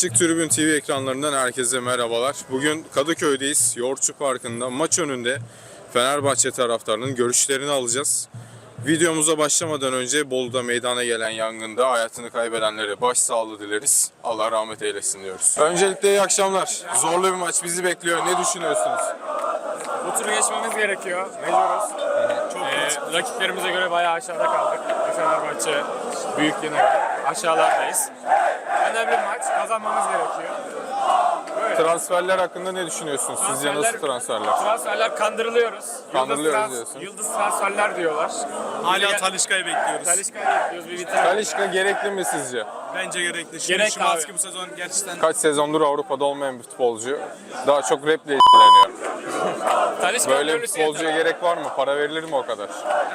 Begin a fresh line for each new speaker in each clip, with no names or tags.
Açık Tribün TV ekranlarından herkese merhabalar. Bugün Kadıköy'deyiz. Yoğurtçu Parkı'nda maç önünde Fenerbahçe taraftarının görüşlerini alacağız. Videomuza başlamadan önce Bolu'da meydana gelen yangında hayatını kaybedenlere başsağlığı dileriz. Allah rahmet eylesin diyoruz. Öncelikle iyi akşamlar. Zorlu bir maç bizi bekliyor. Ne düşünüyorsunuz?
Bu turu geçmemiz gerekiyor. Mecburuz. Rakiplerimize göre bayağı aşağıda kaldık. Fenerbahçe büyüklüğüne aşağılardayız. Önemli bir maç. Kazanmamız gerekiyor. Böyle.
Transferler hakkında ne düşünüyorsunuz? Sizce nasıl transferler?
Transferler kandırılıyoruz.
Kandırılıyoruz diyorsun.
Yıldız transferler diyorlar.
Hala Talisca'yı bekliyoruz.
Talisca'yı bekliyoruz. Bir bitirelim.
Talisca gerekli mi sizce?
Bence gerekli. Şimdi
Gerek
Szymański
abi.
bu sezon gerçekten
Kaç sezondur Avrupa'da olmayan bir futbolcu. Daha çok raple ilgileniyor.
Talisca'nın
Böyle bir
dönüşü
futbolcuya gerek var mı? Para verilir mi o kadar?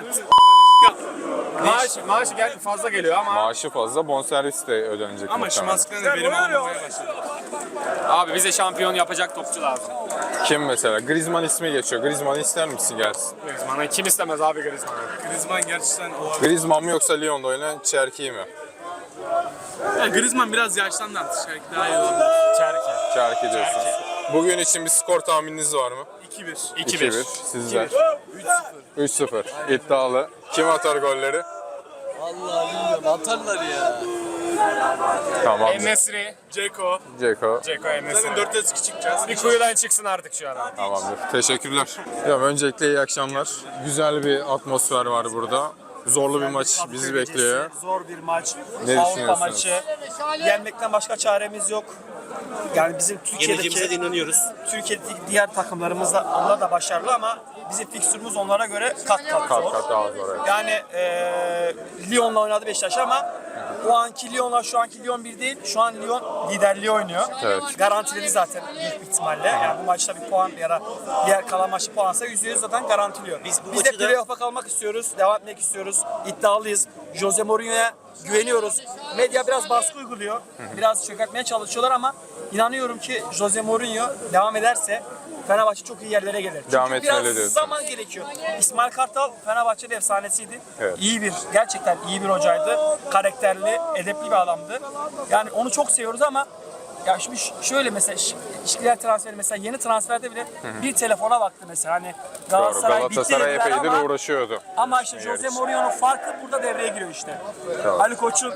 Maaşı fazla geliyor ama
Maaşı fazla, bonservis de ödenecek.
ama
muhtemelen.
Szymański'den de verim almaya başladı.
abi bize şampiyon yapacak topçu lazım.
Kim mesela? Griezmann ismi geçiyor. Griezmann'ı ister misin gelsin?
Griezmann'ı kim istemez abi Griezmann'ı?
Griezmann gerçekten olabilir.
Griezmann mı yoksa Lyon'da oynayan Cherki mi?
Yani Griezmann biraz yaşlandı artık. Belki daha iyi olabilir.
Cherki diyorsunuz. Bugün için bir skor tahmininiz var mı?
2-1.
2-1. Sizler?
3-0.
3-0. İddialı. Kim atar golleri?
Vallahi bilmiyorum, atarlar ya.
Tamam.
En-Nesyri,
Ceko.
Ceko.
En-Nesyri.
Zaten 4-2 çıkacağız.
Bir kuyudan çıksın artık şu an.
Tamamdır. Teşekkürler. Ya öncelikle iyi akşamlar. Güzel bir atmosfer var burada. Zorlu bir maç bizi bekliyor.
Zor bir maç.
Ne
Avrupa
düşünüyorsunuz?
maçı. Yenmekten başka çaremiz yok. Yani bizim
Yeneceğimize de inanıyoruz.
Türkiye'deki diğer takımlarımız da onlar da başarılı ama bizim fikstürümüz onlara göre kat
Kat
zor.
kat daha zor. Evet.
Yani Lyon'la oynadı Beşiktaş ama o anki Lyon'la şu anki Lyon bir değil. Şu an Lyon liderliği oynuyor.
Evet.
Garantiledi zaten büyük bir ihtimalle. Yani bu maçta bir puan ya da diğer kalan maçta puansa %100 zaten garantiliyor.
Biz bu
Biz de
maçı da-
playoff'a kalmak istiyoruz. Devam etmek istiyoruz. İddialıyız. Jose Mourinho'ya güveniyoruz. Medya biraz baskı uyguluyor. Biraz çökertmeye çalışıyorlar ama inanıyorum ki Jose Mourinho devam ederse Fenerbahçe çok iyi yerlere gelir. Çünkü
Devam etmeli
biraz
diyorsun.
zaman gerekiyor. İsmail Kartal Fenerbahçe'de efsanesiydi.
Evet.
İyi bir, gerçekten iyi bir hocaydı. Karakterli, edepli bir adamdı. Yani onu çok seviyoruz ama ya şimdi şöyle mesela ilişkiler transferi mesela yeni transferde bile bir telefona baktı mesela hani
Doğru.
Galatasaray bitti
Galatasaray
dediler
epeydir
ama
uğraşıyordu.
işte Jose Mourinho'nun farkı burada devreye giriyor işte.
Tamam.
Ali Koç'un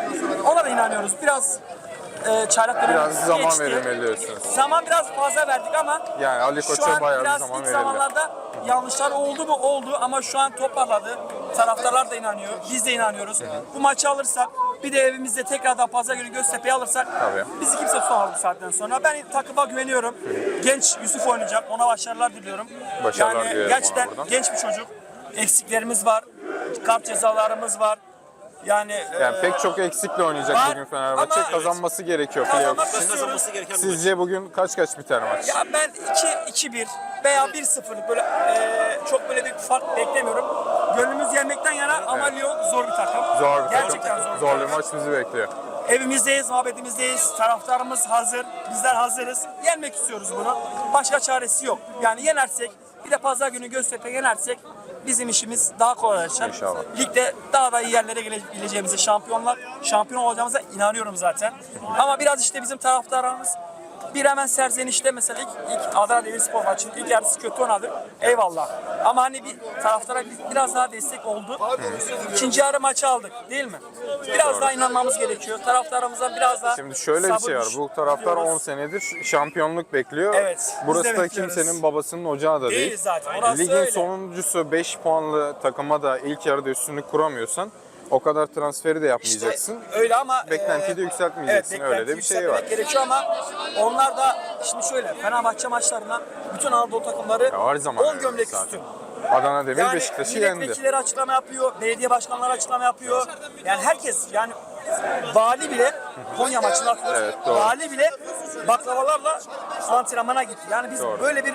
ona da inanıyoruz. Biraz çaylak dönemi
Biraz zaman
geçti.
verilmeli diyorsunuz.
Zaman biraz fazla verdik ama
Yani Ali
şu
Koç'a
an
bayağı bir
biraz
zaman
ilk
verildi.
zamanlarda yanlışlar oldu mu? Oldu ama şu an toparladı. Taraftarlar da inanıyor. Biz de inanıyoruz. Bu maçı alırsak bir de evimizde tekrardan pazar günü Göztepe'yi alırsak
Tabii.
bizi kimse tutamaz bu saatten sonra. Ben takıma güveniyorum. Genç Yusuf oynayacak. Ona başarılar diliyorum.
Başarılar
yani
dilerim
gerçekten
ona buradan.
genç bir çocuk. Eksiklerimiz var. Kart cezalarımız var. Yani
Pek çok eksikle oynayacak
var
bugün Fenerbahçe.
ama-
Kazanması gerekiyor playoff
kazanmak
için.
istiyoruz.
Kazanması gereken bir maç.
Sizce bugün kaç biter maç?
Ya ben 2-1 veya 1-0 böyle çok böyle bir fark beklemiyorum. Gönlümüz yenmekten yana ama Lyon zor bir takım.
Zor bir
Gerçekten
takım.
zor bir
Zorlu
takım.
maç bizi bekliyor.
Evimizdeyiz, muhabbetimizdeyiz. Taraftarımız hazır. Bizler hazırız. Yenmek istiyoruz bunu. Başka çaresi yok. Yani yenersek bir de pazar günü Göztepe yenersek bizim işimiz daha kolaylaşacak.
İnşallah.
Ligde daha da iyi yerlere gelebileceğimize, şampiyon olacağımıza inanıyorum zaten. Ama biraz işte bizim taraftarımız bir hemen serzenişte mesela ilk Adana Demirspor maçının ilk yarısı kötü oynadı. Eyvallah. Ama hani bir taraftara biraz daha destek oldu. İkinci yarı maçı aldık değil mi? Biraz daha inanmamız gerekiyor. Taraftarımızdan biraz daha
Şimdi şöyle bir şey var. Bu taraftar 10 senedir şampiyonluk bekliyor.
Evet, biz de
Burası da
bekliyoruz.
kimsenin babasının ocağı da değil.
Değil zaten, orası
Ligin
öyle.
sonuncusu 5 puanlı takıma da ilk yarıda üstünlük kuramıyorsan o kadar transferi de yapmayacaksın.
Öyle ama
Beklentiyi de yükseltmeyeceksin. Öyle de bir şey
beklentiyi
var.
yükseltmek gerekiyor ama onlar da şimdi şöyle Fenerbahçe maçlarına bütün Anadolu takımları
Ya her zaman
10
öyle
gömlek
zaten.
üstün.
Adana Demir
Yani
Beşiktaş'ı yendi.
milletvekilleri açıklama yapıyor, belediye başkanları açıklama yapıyor. Yani herkes yani vali bile Konya maçını hatırlıyoruz.
Evet, doğru.
Vali bile baklavalarla antrenmana gitti. Yani biz
Doğru.
böyle bir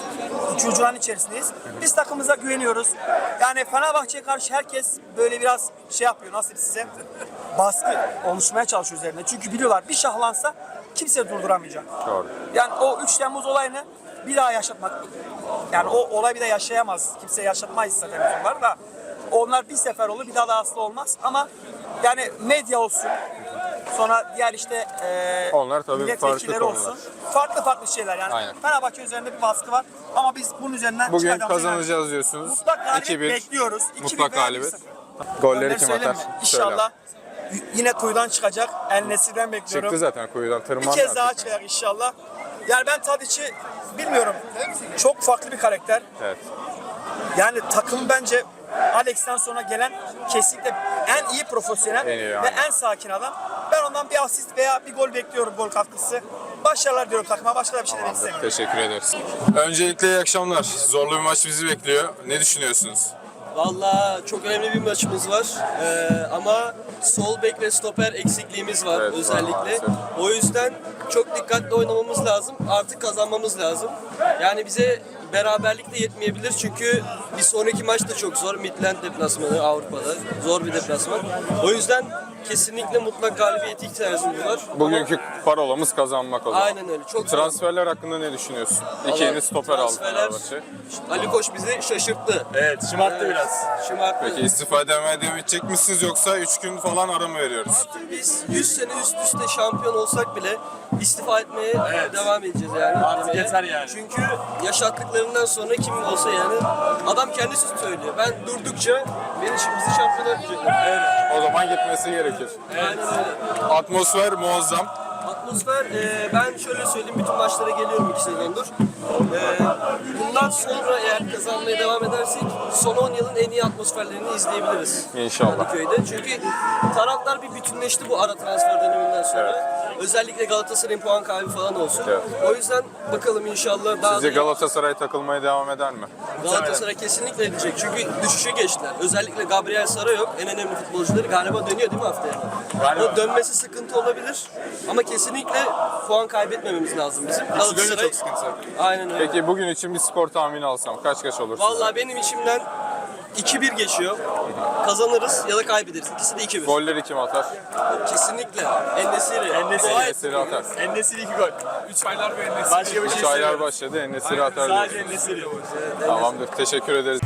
çocuğun içerisindeyiz. Biz takımımıza güveniyoruz. Yani Fenerbahçe'ye karşı herkes böyle biraz şey yapıyor. Nasıl size baskı oluşmaya çalışıyor üzerine. Çünkü biliyorlar bir şahlansa kimse durduramayacak.
Doğru.
Yani o 3 Temmuz olayını bir daha yaşatmak. Yani o olay bir de yaşayamaz. Kimse yaşatmayız zaten onlar da. Onlar bir sefer olur bir daha da asla olmaz. Ama yani medya olsun, Sonra diğer işte
Onlar tabii
milletvekilleri
farklı konular.
olsun. Farklı şeyler yani.
Aynen.
Fenerbahçe üzerinde bir baskı var ama biz bunun üzerinden
Bugün
çıkacağımıza
kazanacağız diyorsunuz.
Mutlak galibiyet
2-1.
bekliyoruz. 2-1
Mutlak
veya
galibiyet.
1-0.
Golleri
Golleri
kim
söyleyeyim
atar?
mi? İnşallah yine kuyudan çıkacak. El Nesir'den bekliyorum.
Çıktı zaten kuyudan,
Bir
tırmandı
kez daha
artık.
çıkacak inşallah. Yani ben Tadic'i bilmiyorum. Çok farklı bir karakter.
Evet.
Yani takım bence Alex'ten sonra gelen kesinlikle en iyi profesyonel
En iyi,
ve
aynen.
en sakin adam. Ben ondan bir asist veya bir gol bekliyorum, gol katkısı. Başarılar diyorum takıma. Başka da bir şey demek istemiyorum.
Teşekkür ederiz. Öncelikle iyi akşamlar. Zorlu bir maç bizi bekliyor. Ne düşünüyorsunuz?
Valla çok önemli bir maçımız var. Ama sol bek ve stoper eksikliğimiz var
Evet, var
özellikle.
maalesef.
O yüzden çok dikkatli oynamamız lazım. Artık kazanmamız lazım. Yani bize beraberlik de yetmeyebilir çünkü bir sonraki maç da çok zor. Midland deplasmanı Avrupa'da. Zor bir deplasman. O yüzden kesinlikle mutlak galibiyete ihtiyacımız var.
Bugünkü parolamız kazanmak o zaman.
Aynen öyle. Çok zor.
Transferler hakkında ne düşünüyorsun? İki yeni stoper aldı
Transferler-
Fenerbahçe.
Ali Koç bizi şaşırttı.
Evet, şımarttı biraz.
Şımarttı.
Peki istifa demeye devam edecek misiniz yoksa 3 gün falan ara mı veriyoruz?
Biz 100 sene üst üste şampiyon olsak bile istifa etmeye devam edeceğiz yani.
Artık yeter yani.
Çünkü yaşattıklarından sonra kim olsa yani adam kendisi söylüyor. Ben durdukça bizi şampiyon yapacaklar.
O zaman gitmesi gerekir.
Aynen öyle.
Atmosfer muazzam.
Atmosfer ben şöyle söyleyeyim bütün maçlara geliyorum 2 sezondur. Bundan sonra eğer kazanmaya devam edersek son 10 yılın en iyi atmosferlerini izleyebiliriz.
İnşallah.
Kadıköy'de. Çünkü taraftar bir bütünleşti bu ara transfer döneminden sonra. Özellikle Galatasaray'ın puan kaybı falan olsun.
Evet.
O yüzden bakalım inşallah daha
Sizce
da
Galatasaray takılmaya devam eder mi?
Galatasaray kesinlikle edecek. Çünkü düşüşe geçtiler. Özellikle Gabriel Sara yok. En önemli futbolcuları galiba dönüyor değil mi haftaya? O dönmesi sıkıntı olabilir. Ama kesinlikle puan kaybetmememiz lazım bizim. Galatasaray
çok sıkıntı.
aynen öyle.
Peki bugün için bir skor tahmini alsam kaç olur?
Vallahi benim içimden 2-1 geçiyor. Kazanırız ya da kaybederiz. İkisi de 2-1.
Golleri kim atar?
Kesinlikle. En-Nesyri.
En-Nesyri atar.
En-Nesyri 2 gol. 3 aylar bir En-Nesyri. Başka bir şey
3 aylar başladı. En-Nesyri atar.
Sadece
diyorsunuz.
En-Nesyri.
Tamamdır. Teşekkür ederiz.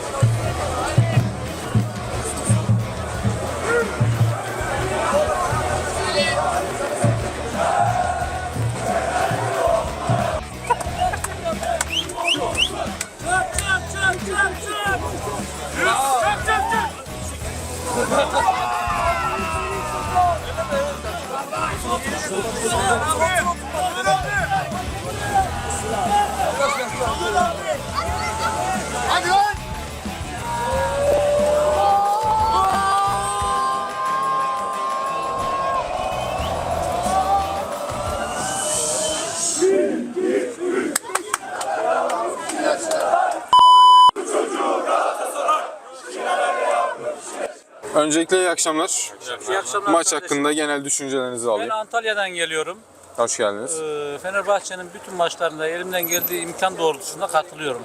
Öncelikle iyi akşamlar.
İyi akşamlar
Maç
kardeşim.
hakkında genel düşüncelerinizi
Ben
alayım.
Antalya'dan geliyorum.
Hoş geldiniz.
Fenerbahçe'nin bütün maçlarında elimden geldiği imkan doğrultusunda katılıyorum.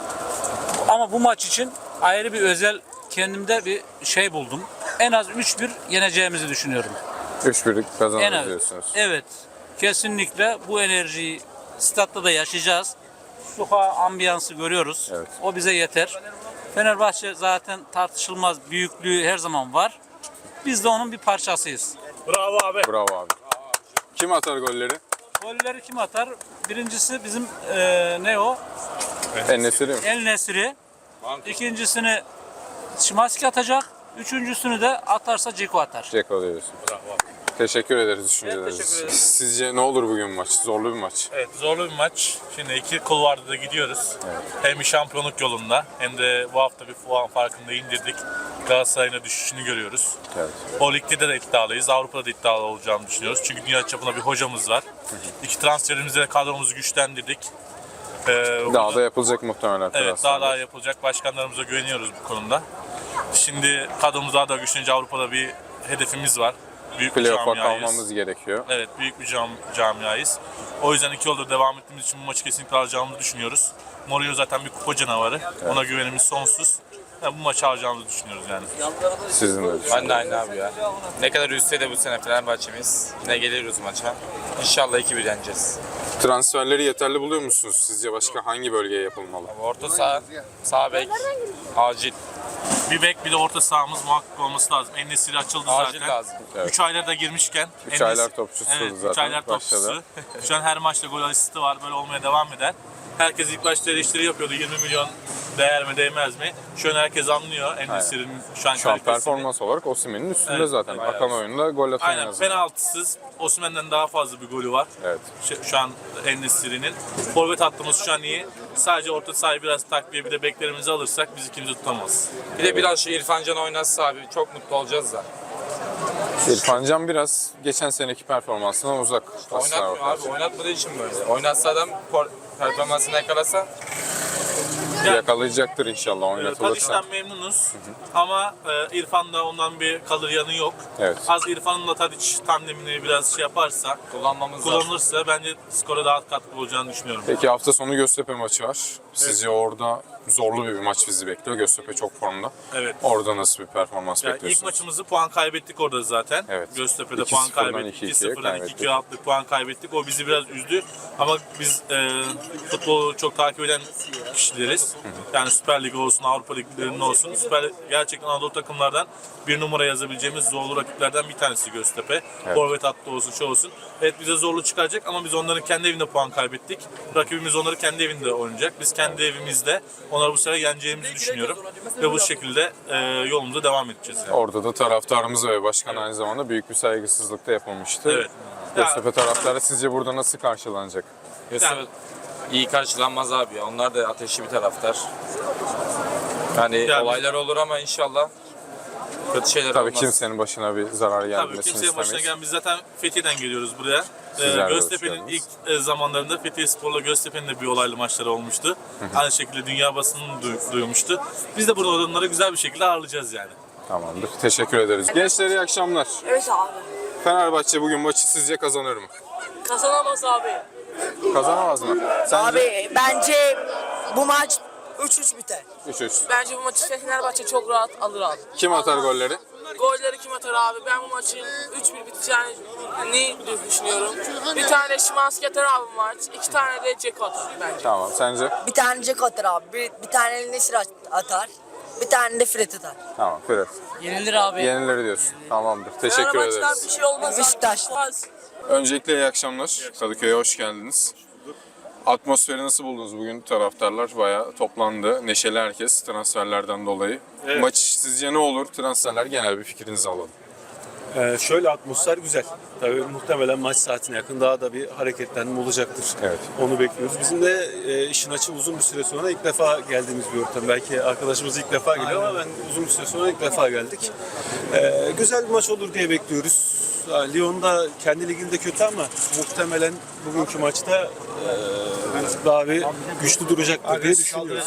Ama bu maç için ayrı bir özel kendimde bir şey buldum. En az 3-1 yeneceğimizi düşünüyorum.
3-1'lik
En
kazanırız
az.
diyorsunuz.
Evet. Kesinlikle bu enerjiyi statta da yaşayacağız. Sokağa ambiyansı görüyoruz.
Evet.
O bize yeter. Fenerbahçe zaten tartışılmaz büyüklüğü her zaman var. Biz de onun bir parçasıyız.
Bravo abi.
Bravo abi. Kim atar golleri?
Golleri kim atar? Birincisi bizim ne o?
En-Nesyri mi?
El Nesri. İkincisini Şimanski atacak. Üçüncüsünü de atarsa Ceko atar.
Ceko diyorsun. Teşekkür ederiz düşünceleriniz
teşekkür
için.
ederim.
Sizce ne olur bugün maç? Zorlu bir maç.
Evet, zorlu bir maç. Şimdi iki kulvarda da gidiyoruz. Hem şampiyonluk yolunda hem de bu hafta bir puan farkında indirdik. Galatasaray'ın da düşüşünü görüyoruz.
Evet.
O ligde de iddialıyız. Avrupa'da da iddialı olacağını düşünüyoruz. Çünkü dünya çapında bir hocamız var. İki transferimizle kadromuzu güçlendirdik.
Daha da yapılacak muhtemelen.
Evet,
transferler.
daha yapılacak. Başkanlarımıza güveniyoruz bu konuda. Şimdi kadromuz daha da güçlenince Avrupa'da bir hedefimiz var. Büyük bir
Playoff'a
camiayız.
kalmamız gerekiyor.
Evet, büyük bir camiayız. O yüzden 2 yıldır devam ettiğimiz için bu maçı kesinlikle alacağımızı düşünüyoruz. Mourinho zaten bir kupa canavarı. Ona güvenimiz sonsuz. Yani bu maçı alacağımızı düşünüyoruz yani.
Sizin de
Ben
düşünün.
de aynı abi ya. Ne kadar üzse de bu sene Fenerbahçe'miz. Yine geliyoruz maça. İnşallah 2-1 yeneceğiz.
Transferleri yeterli buluyor musunuz? Sizce başka hangi bölgeye yapılmalı?
Orta saha, sağ bek, acil.
Bir bek bir de orta sahamız muhakkak olması lazım. En-Nesyri açıldı
Acil
zaten.
lazım.
3 aylarda girmişken.
3 aylar topçusu
Evet,
zaten.
3 aylar
başladı.
topçusu. Şu an her maçta gol asisti var. Böyle olmaya devam eder. Herkes ilk başta eleştiri yapıyordu. 20 milyon değer mi değmez mi? Şu an herkes anlıyor En-Nesyri'nin şu an
Şu an
kalitesini.
performans olarak Osimhen'in üstünde
Evet,
zaten.
bayağı.
Akan oyunda gol atan
Aynen,
yazıyor.
penaltısız. Osimhen'den daha fazla bir golü var.
Evet.
Şu an En-Nesyri'nin. Forvet hattımız şu an iyi. Sadece orta sahayı biraz takviye bir de beklerimizi alırsak biz ikimizi tutamaz.
Bir de biraz şu İrfan Can oynatsa abi çok mutlu olacağız da.
İrfan Can biraz geçen seneki performansından uzak. aslına
Oynatmıyor
bakarsan.
abi, oynatmadığı için böyle. Oynatsa adam performansını yakalasa
Yakalayacaktır inşallah oynatılırsa.
Tadiş'ten memnunuz ama İrfan'da ondan bir kalır yanı yok.
Evet.
Az İrfan'la Tadiç tandemini biraz şey yaparsa, kullanılırsa bence skora daha katkı olacağını düşünüyorum.
Peki hafta sonu Göztepe maçı var. Sizce orada zorlu bir maç bizi bekliyor. Göztepe çok formda.
Evet.
Orada nasıl bir performans
Yani
bekliyorsunuz?
ilk maçımızı puan kaybettik orada zaten.
Evet.
Göztepe'de
2-0'dan
puan kaybettik.
2-2'ye
2-0'dan
kaybettik.
2-2 attık, puan kaybettik. O bizi biraz üzdü. Ama biz futbolu çok takip eden kişileriz. Yani Süper Lig olsun, Avrupa Liglerinin olsun. Gerçekten Anadolu takımlardan bir numara yazabileceğimiz zorlu rakiplerden bir tanesi Göztepe. Forvet hattı olsun, şu olsun. Evet, bize zorlu çıkaracak ama biz onların kendi evinde puan kaybettik. Rakibimiz onları kendi evinde oynayacak. Biz kendi evimizde onları bu sefer yeneceğimizi düşünüyorum. Ve bu şekilde yolumuza devam edeceğiz. Yani.
Orada da taraftarımız ve başkan aynı zamanda büyük bir saygısızlık da yapılmıştı.
Evet.
Göztepe taraftarı sizce burada nasıl karşılanacak?
Göztepe iyi karşılanmaz abi ya. Onlar da ateşli bir taraftar. Yani olaylar olur ama inşallah kötü şeyler
Tabii
olmaz.
kimsenin başına bir zarar
Tabii
gelmesini
kimsenin başına
istemeyiz.
gelen biz zaten Fethiye'den geliyoruz buraya.
Sizler de hoş
Göztepe'nin
geldiniz.
ilk zamanlarında Fethiye Spor'la Göztepe'nin de bir olaylı maçları olmuştu. Aynı şekilde dünya basının duymuştu. Biz de burada onları güzel bir şekilde ağırlayacağız yani.
Tamamdır. Teşekkür ederiz. Gençler iyi akşamlar.
Evet abi.
Fenerbahçe bugün maçı sizce kazanır mı?
Kazanamaz abi.
Kazanamaz mı? Sence?
Abi bence bu maç 3-3 biter.
3-3.
Bence bu maçı Fenerbahçe çok rahat alır abi.
Kim atar golleri?
Golleri kim atar abi? Ben bu maçın 3-1 biteceğini düşünüyorum. Bir tane Şimanski atar abi bu maç. 2 tane de Ceko atar bence.
Tamam. Sence?
Bir tane Jack atar abi. Bir tane El-Nesir atar. Bir tane de Fred atar.
Tamam. Fred.
Yenilir abi.
Yenileri diyorsun. Tamamdır. Teşekkür
Fenerbahçe'den
ederiz.
bir şey olmaz.
Beşiktaş.
Olmaz.
Öncelikle iyi akşamlar. Kadıköy'e hoş geldiniz. Atmosferi nasıl buldunuz bugün? Taraftarlar bayağı toplandı. Neşeli herkes transferlerden dolayı. Maç sizce ne olur? Transferler genel bir fikrinizi alalım.
Şöyle atmosfer güzel. Tabii muhtemelen maç saatine yakın daha da bir hareketlenme olacaktır.
Evet.
Onu bekliyoruz. Bizim de işin açığı uzun bir süre sonra ilk defa geldiğimiz bir ortam. Belki arkadaşımız ilk defa geliyor ama ben uzun bir süre sonra ilk defa geldik. Güzel bir maç olur diye bekliyoruz. Lyon da kendi liginde kötü ama muhtemelen bugünkü maçta daha bir güçlü duracaktır diye düşünüyoruz.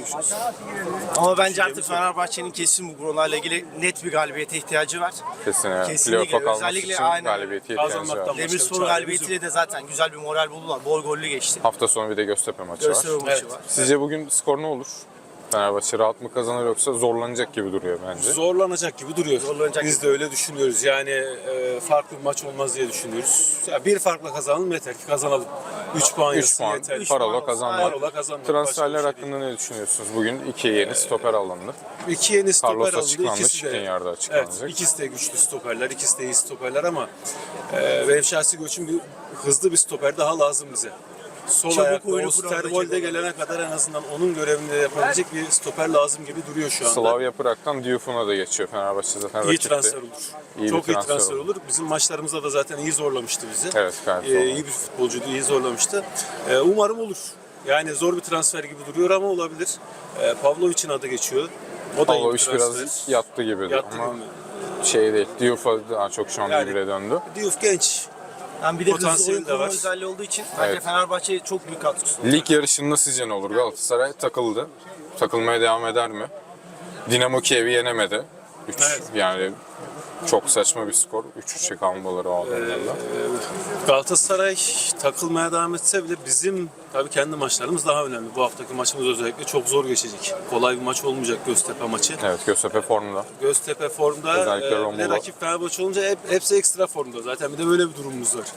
Ama bence artık Fenerbahçe'nin kesin bu konularla ilgili net bir galibiyete ihtiyacı var.
Kesinlikle.
Kesinlikle.
Playoff'a kalması
Özellikle
için
aynen.
galibiyete ihtiyacı var.
Kazanmaktan
Demirspor galibiyetiyle de zaten güzel bir moral buldular. Bol gollü geçti.
Hafta sonu bir de Göztepe maçı
Göztepe
var.
maçı var.
Sizce bugün skor ne olur? Fenerbahçe rahat mı kazanır yoksa zorlanacak gibi duruyor bence.
Zorlanacak gibi duruyor.
Zorlanacak
Biz de öyle düşünüyoruz. Yani farklı bir maç olmaz diye düşünüyoruz. Ya bir farkla kazanalım yeter ki kazanalım. 3 puan
3
yazsın
puan
yeter.
parola kazanmak.
Parola kazanmak.
Transferler
Başka bir şey
hakkında ne düşünüyorsunuz? Bugün 2 yeni stoper alındı.
değil. İki yeni stoper
Carlos
alındı.
açıklandı,
İkisi de,
Skriniar açıklanacak.
evet, ikisi de güçlü stoperler, ikisi de iyi stoperler ama benim şahsi görüşüm bir hızlı bir stoper daha lazım bize. Sol
Çabuk
ayaklı,
oyunu
Osterwolde gelene kadar en azından onun görevini de yapabilecek bir stoper lazım gibi duruyor şu anda.
Slavia Prag'dan Diouf'una da geçiyor Fenerbahçe zaten
İyi
rakipti.
transfer olur.
İyi
Çok
bir
iyi transfer olur. Bizim maçlarımızda da zaten iyi zorlamıştı bizi.
Evet, gayet zorladı.
İyi bir futbolcuydu, iyi zorlamıştı. Umarım olur. Yani zor bir transfer gibi duruyor ama olabilir. Pavlovic'in adı geçiyor. O da iyi bir
Pavlovic
transfer.
biraz yattı gibi
Yattı
ama
gibi.
şey değil. Diouf'a daha çok şu an
Yani-
birbirine döndü.
Diouf genç.
Yani bir de hızlı
Potansiyeli
oyun
de
kurma
var.
özelliği olduğu için bence
Evet.
Fenerbahçe'ye çok büyük katkısı.
Lig yarışında sizce ne olur? Galatasaray takıldı. Takılmaya devam eder mi? Dinamo Kiev'i yenemedi. 3
Evet.
yani Çok saçma bir skor. 3-3'e kalmaları o adamlarla.
Galatasaray takılmaya devam etse bile bizim tabii kendi maçlarımız daha önemli. Bu haftaki maçımız özellikle çok zor geçecek. Kolay bir maç olmayacak Göztepe maçı.
Evet, Göztepe formda.
Göztepe formda,
Özellikle
bir de
Romulo.
rakip Fenerbahçe olunca hepsi ekstra formda. Zaten bir de böyle bir durumumuz var.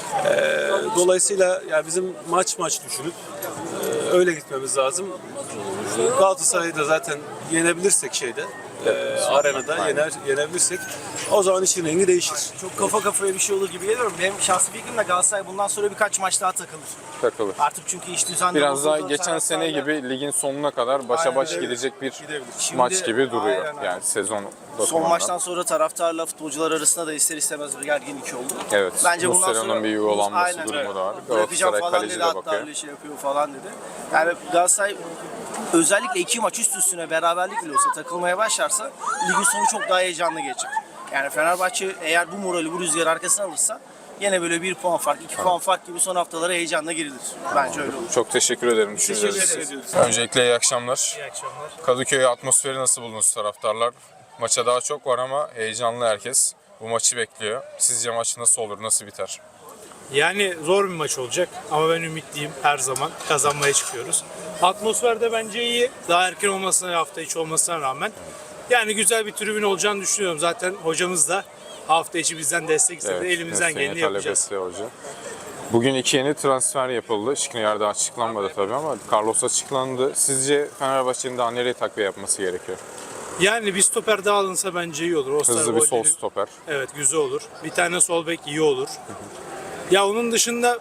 Dolayısıyla yani bizim maç düşünüp öyle gitmemiz lazım. Galatasaray'ı da zaten yenebilirsek arenada yenebilirsek o zaman işin rengi değişir.
Çok kafa kafaya bir şey olur gibi geliyor. Benim şahsi fikrim de Galatasaray bundan sonra birkaç maç daha takılır. Artık çünkü iş düzenli
Biraz daha
bozuldu.
geçen sene gibi ligin sonuna kadar başa
Aynen
baş
öyle.
gidecek bir
Şimdi-
maç gibi duruyor.
aynen.
Yani sezon
Son
bakımından.
maçtan sonra taraftarla futbolcular arasında da ister istemez bir gerginlik oldu.
Evet.
Bence bundan
Muslera'nın
sonra
bir yuvalanması
Aynen
durumu
öyle.
da var.
Bırakacağım
Galatasaray
falan
kaleci
dedi,
de
hatta
bakıyor.
öyle şey yapıyor falan dedi. Yani Galatasaray özellikle 2 maç üst üstüne beraberlik bile olsa takılmaya başlarsa ligin sonu çok daha heyecanlı geçecek. Yani Fenerbahçe eğer bu morali, bu rüzgarı arkasına alırsa yine böyle 1 puan fark, 2 puan fark gibi son haftalara heyecanla girilir. Bence öyle olur.
Çok teşekkür ederim.
Teşekkür
düşünceleriniz için.
ederiz.
Öncelikle iyi akşamlar.
İyi akşamlar.
Kadıköy atmosferi nasıl buldunuz taraftarlar? Maça daha çok var ama heyecanlı herkes. Bu maçı bekliyor. Sizce maç nasıl olur, nasıl biter?
Yani zor bir maç olacak ama ben ümitliyim her zaman. Kazanmaya çıkıyoruz. Atmosfer de bence iyi. Daha erken olmasına, hafta içi olmasına rağmen. Yani güzel bir tribün olacağını düşünüyorum. Zaten hocamız da hafta içi bizden destek istedi. Elimizden
mesleğini
geleni
talep
yapacağız.
etti hoca. Bugün 2 yeni transfer yapıldı. Skriniar daha açıklanmadı tabii ama Carlos açıklandı. Sizce Fenerbahçe'nin daha nereye takviye yapması gerekiyor?
Yani bir stoper daha alınsa bence iyi olur.
Hızlı bir sol stoper.
Evet, güzel olur. Bir tane sol bek iyi olur. Ya onun dışında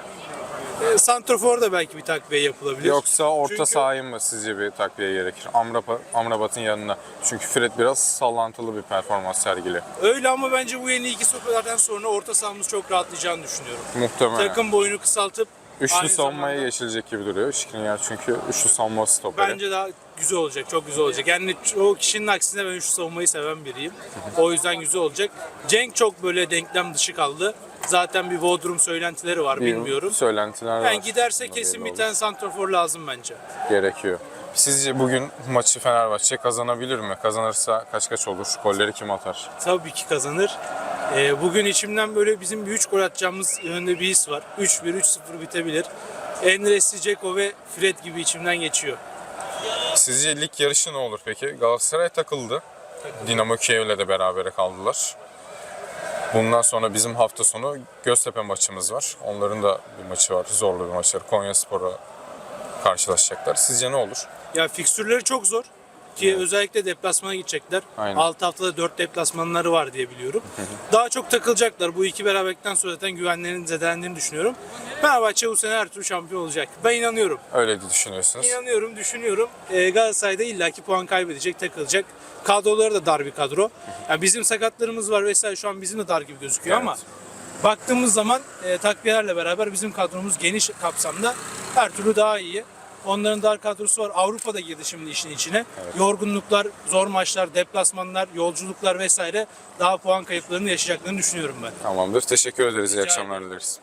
santrafor da belki bir takviye yapılabilir.
Yoksa orta
Çünkü-
sahaya mı sizce bir takviye gerekir? Amrabat'ın yanına. Çünkü Fred biraz sallantılı bir performans sergiliyor.
Öyle ama bence bu yeni iki stoperlerden sonra orta sahamız çok rahatlayacağını düşünüyorum.
Muhtemelen.
Takım boyunu kısaltıp
Üçlü
aynı
savunmaya
zamanda-
geçilecek gibi duruyor. Skriniar çünkü üçlü savunma stoperi.
Bence daha güzel olacak, çok güzel olacak. Yani o kişinin aksine ben üçlü savunmayı seven biriyim. O yüzden güzel olacak. Cenk çok böyle denklem dışı kaldı. Zaten bir Bodrum söylentileri var, bilmiyorum.
Söylentiler var.
Yani giderse
Ama
kesin
belli
bir tane santrafor lazım bence.
gerekiyor. Sizce bugün maçı Fenerbahçe kazanabilir mi? Kazanırsa kaç olur? Golleri kim atar?
Tabii ki kazanır. Bugün içimden böyle bizim bir 3 gol atacağımız yönünde bir his var. 3-1, 3-0 bitebilir. Enresi, Dzeko ve Fred gibi içimden geçiyor.
Sizce lig yarışı ne olur peki? Galatasaray takıldı. Dinamo Kiev'le de berabere kaldılar. Bundan sonra bizim hafta sonu Göztepe maçımız var. Onların da bir maçı var. Zorlu bir maçları. Konyaspor'a karşılaşacaklar. Sizce ne olur?
Ya fikstürleri çok zor. Ki özellikle deplasmana gidecekler.
Aynen.
6 haftada 4 deplasmanları var diye biliyorum. Daha çok takılacaklar. Bu iki beraberlikten sonra zaten güvenlerinin zedelendiğini düşünüyorum. Fenerbahçe bu sene her türlü şampiyon olacak. Ben inanıyorum.
Öyle de düşünüyorsunuz.
İnanıyorum, düşünüyorum. Galatasaray'da illaki puan kaybedecek, takılacak. Kadroları da dar bir kadro. Yani bizim sakatlarımız var vesaire, şu an bizim de dar gibi gözüküyor ama baktığımız zaman takviyelerle beraber bizim kadromuz geniş kapsamda her türlü daha iyi. Onların dar kadrosu var. Avrupa'da girdi şimdi işin içine. Yorgunluklar, zor maçlar, deplasmanlar, yolculuklar vesaire daha puan kayıplarını yaşayacaklarını düşünüyorum ben.
Tamamdır. Teşekkür ederiz. İyi
Rica
akşamlar dileriz.